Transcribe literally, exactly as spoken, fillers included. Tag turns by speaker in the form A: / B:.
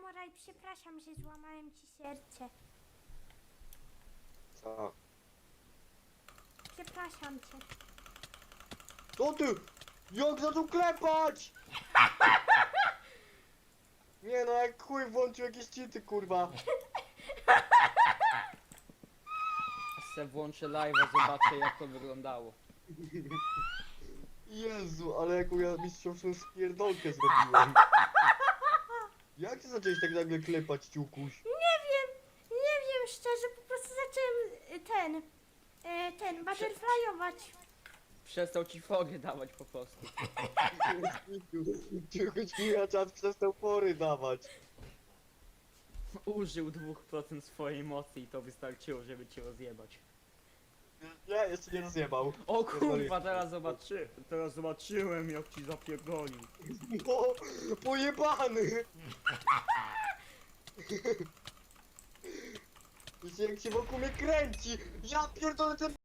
A: Moraj, przepraszam, że złamałem ci serce.
B: Co?
A: Przepraszam cię.
B: Co ty? Jak zaczął klepać? Nie no, jak chuj włączył jakieś cheaty, kurwa.
C: Se włączę live'a, zobaczę jak to wyglądało.
B: Jezu, ale jaką ja mistrzowską spierdolkę zrobiłem. Jak ty zacząłeś tak nagle klepać, ciukuś?
A: Nie wiem, nie wiem szczerze, po prostu zacząłem y, ten, y, ten, butterflyować.
C: Przestał ci fogę dawać po prostu.
B: Ciukuś mi na czas przestał pory dawać.
C: Użył dwóch procent swojej mocy i to wystarczyło, żeby cię rozjebać.
B: Nie, jeszcze nie rozjebał.
C: O kurwa, teraz zobaczy, teraz zobaczyłem jak ci zapierdolił.
B: No, pojebany! Wiecie, jak się wokół mnie kręci! Ja pierdolę ten